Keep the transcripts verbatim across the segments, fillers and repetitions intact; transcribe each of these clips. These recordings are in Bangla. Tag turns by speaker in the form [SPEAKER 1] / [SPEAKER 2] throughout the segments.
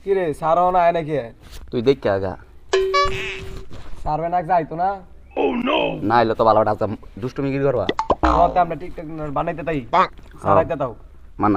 [SPEAKER 1] কি রে সারও না আয় নাকি
[SPEAKER 2] তুই দেখ কে আগা
[SPEAKER 1] সারবে না যাইতো না
[SPEAKER 2] না এলে তো ভালো একটা দুষ্টুমি গিরি করবা
[SPEAKER 1] হতে আমরা টিকটক বানাইতে তাই সারাইতে দাও
[SPEAKER 2] মানা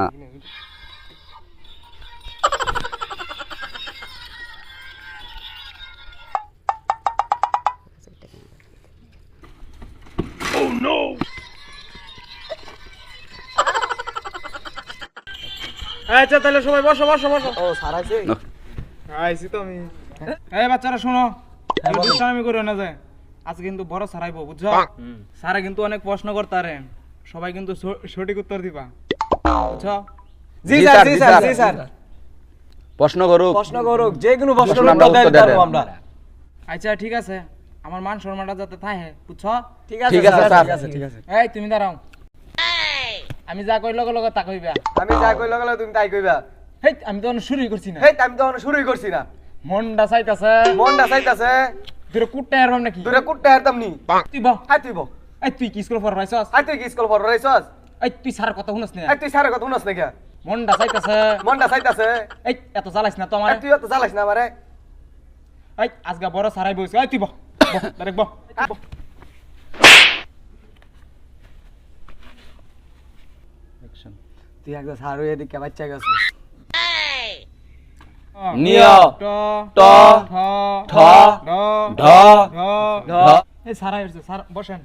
[SPEAKER 3] আচ্ছা তাহলে সবাই বসো বসো বসো
[SPEAKER 1] ও সারাইছে
[SPEAKER 3] আইছি তো আমি এই বাচ্চারা শোনো দুষ্টামি করো না যায় আজ কিন্তু বড় সারাইবো বুঝছো স্যারে কিন্তু অনেক প্রশ্ন করতারে সবাই কিন্তু স- সঠিক উত্তর দিবা বুঝছো
[SPEAKER 1] জি স্যার জি স্যার জি স্যার
[SPEAKER 2] প্রশ্ন করুক
[SPEAKER 1] প্রশ্ন করুক যে কোনো প্রশ্ন
[SPEAKER 2] প্রশ্ন আমরা
[SPEAKER 1] উত্তর
[SPEAKER 2] উত্তর
[SPEAKER 1] দিতে
[SPEAKER 2] দেব।
[SPEAKER 1] পারবো আমরা
[SPEAKER 3] আচ্ছা ঠিক আছে আমার মান সম্মানটা যাতে থাকে বুঝছো
[SPEAKER 1] ঠিক আছে
[SPEAKER 2] ঠিক আছে,
[SPEAKER 1] স্যার
[SPEAKER 2] স্যার।
[SPEAKER 1] ঠিক আছে ঠিক আছে
[SPEAKER 3] এই তুমি দাঁড়াও আমি যা কই লগে লগে তা কইবা
[SPEAKER 1] আমি যা কই লাগালে তুমি তাই কইবা
[SPEAKER 3] হেই আমি তো শুরুই করছি না
[SPEAKER 1] হেই আমি তো এখনো শুরুই করছি না
[SPEAKER 3] মনটা চাইতাছে
[SPEAKER 1] মনটা চাইতাছে
[SPEAKER 3] তুই কুটটা এরবাম নাকি
[SPEAKER 1] দূরে কুটতে হারতাম নি
[SPEAKER 3] তুই বহ
[SPEAKER 1] হাই তুই বো
[SPEAKER 3] এই তুই কি স্কুল পড়াইছস
[SPEAKER 1] হাই তুই কি স্কুল পড় রইছস
[SPEAKER 3] এই তুই স্যার কথা শুনছ না
[SPEAKER 1] হাই তুই সারা কথা শুনছ না কে
[SPEAKER 3] মনটা চাইতাছে
[SPEAKER 1] মনটা চাইতাছে
[SPEAKER 3] এই এত জ্বালাইস না তো আমার
[SPEAKER 1] তুই তো জ্বালাইস না আমারে
[SPEAKER 3] এই আজকে বড় সারাই বইছে এই তুই বহ ডাইরেক্ট বহ
[SPEAKER 1] তুই একদম সারু এদিকে বাচ্চা গেছিস
[SPEAKER 2] নিয়
[SPEAKER 3] ট
[SPEAKER 2] ট
[SPEAKER 3] ঠ
[SPEAKER 2] ঠ
[SPEAKER 3] ড
[SPEAKER 2] ঢ
[SPEAKER 3] ঢ
[SPEAKER 2] ঢ
[SPEAKER 3] এই সারাই হইছে স্যার বসেন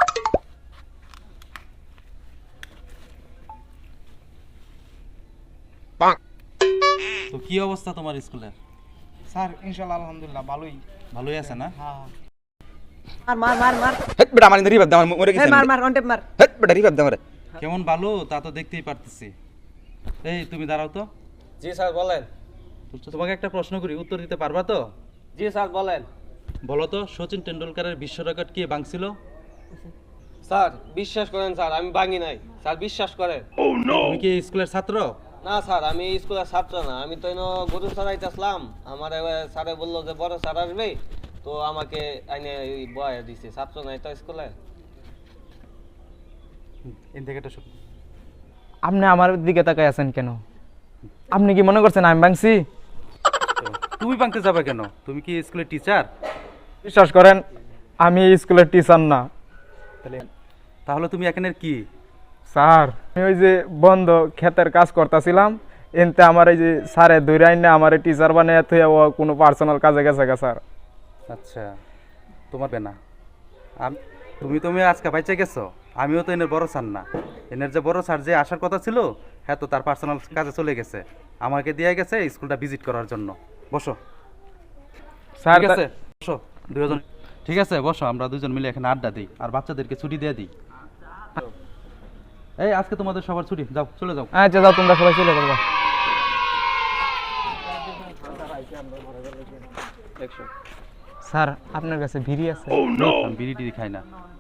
[SPEAKER 4] তো কি অবস্থা তোমার স্কুলের?
[SPEAKER 3] স্যার ইনশাআল্লাহ আলহামদুলিল্লাহ ভালোই
[SPEAKER 4] ভালোই আছে না?
[SPEAKER 3] হ্যাঁ
[SPEAKER 1] মার মার মার মার
[SPEAKER 2] হেট বেটা আমার রিভাইভ দাও মরে
[SPEAKER 1] এই
[SPEAKER 2] গেছে
[SPEAKER 1] মার মার কন্টেপ মার
[SPEAKER 2] হেট বেটা রিভাইভ দাও রে
[SPEAKER 4] কেমন ভালো তা তো দেখতেই পারতেছি। এই তুমি দাঁড়াও তো,
[SPEAKER 1] জি স্যার বলেন
[SPEAKER 4] তো তোমাকে একটা প্রশ্ন করি, উত্তর দিতে পারবা তো?
[SPEAKER 1] জি স্যার বলেন
[SPEAKER 4] বলো তো, সচিন টেন্ডুলকারের বিশ্ব রেকর্ড কে ভাঙছিল?
[SPEAKER 5] স্যার বিশ্বাস করেন স্যার আমি ভাঙি নাই স্যার বিশ্বাস করেন
[SPEAKER 4] তুমি কি এই স্কুলের ছাত্র?
[SPEAKER 5] না স্যার আমি এই স্কুলের ছাত্র না আমি তো এনো গরু চড়াইতেছিলাম আমার স্যারে বললো যে বড় স্যার আসবে তো আমাকে আইনে বয়া দিছে ছাত্র নাই তো স্কুলে
[SPEAKER 4] এন থেকে একটা শোনো।
[SPEAKER 3] আপনি আমার দিকে তাকাই আছেন কেন? আপনি কি মনে করছেন আমি ভাঙছি?
[SPEAKER 4] তুমি ভাঙতে যাবে কেন? তুমি কি স্কুলের টিচার?
[SPEAKER 3] বিশ্বাস করেন আমি এই স্কুলের টিচার না
[SPEAKER 4] তাহলে তুমি এখানের কি?
[SPEAKER 3] স্যার আমি ওই যে বন্ধ ক্ষেতের কাজ করতেছিলাম এনতে আমার এই যে স্যারে দৌড়াই না আমার টিচার বানিয়ে থুয়ে ও কোনো পার্সোনাল কাজে গেছে গা স্যার।
[SPEAKER 4] আচ্ছা, তোমার বেনা আম- তুমি তুমি আজকে বাইচে গেছো, আমিও তো এনের বড় স্যার না। এনের যে বড় স্যার যে আসার কথা ছিল হ্যাঁ তো তার পার্সোনাল কাজে চলে গেছে, আমাকে দিয়ে গেছে স্কুলটা ভিজিট করার জন্য। বসো
[SPEAKER 3] স্যার
[SPEAKER 4] ঠিক আছে, বসো দুজন। ঠিক আছে বসো, আমরা দুজন মিলে এখানে আড্ডা দিই আর বাচ্চাদেরকে ছুটি দিয়ে দিই। এই আজকে তোমাদের সবার ছুটি, যাও চলে যাও।
[SPEAKER 3] আচ্ছা যাও তোমরা সবাই চলে যাবো। স্যার আপনার কাছে ভিড়ি আছে?
[SPEAKER 4] আমি বিড়ি টিড়ি খাই না।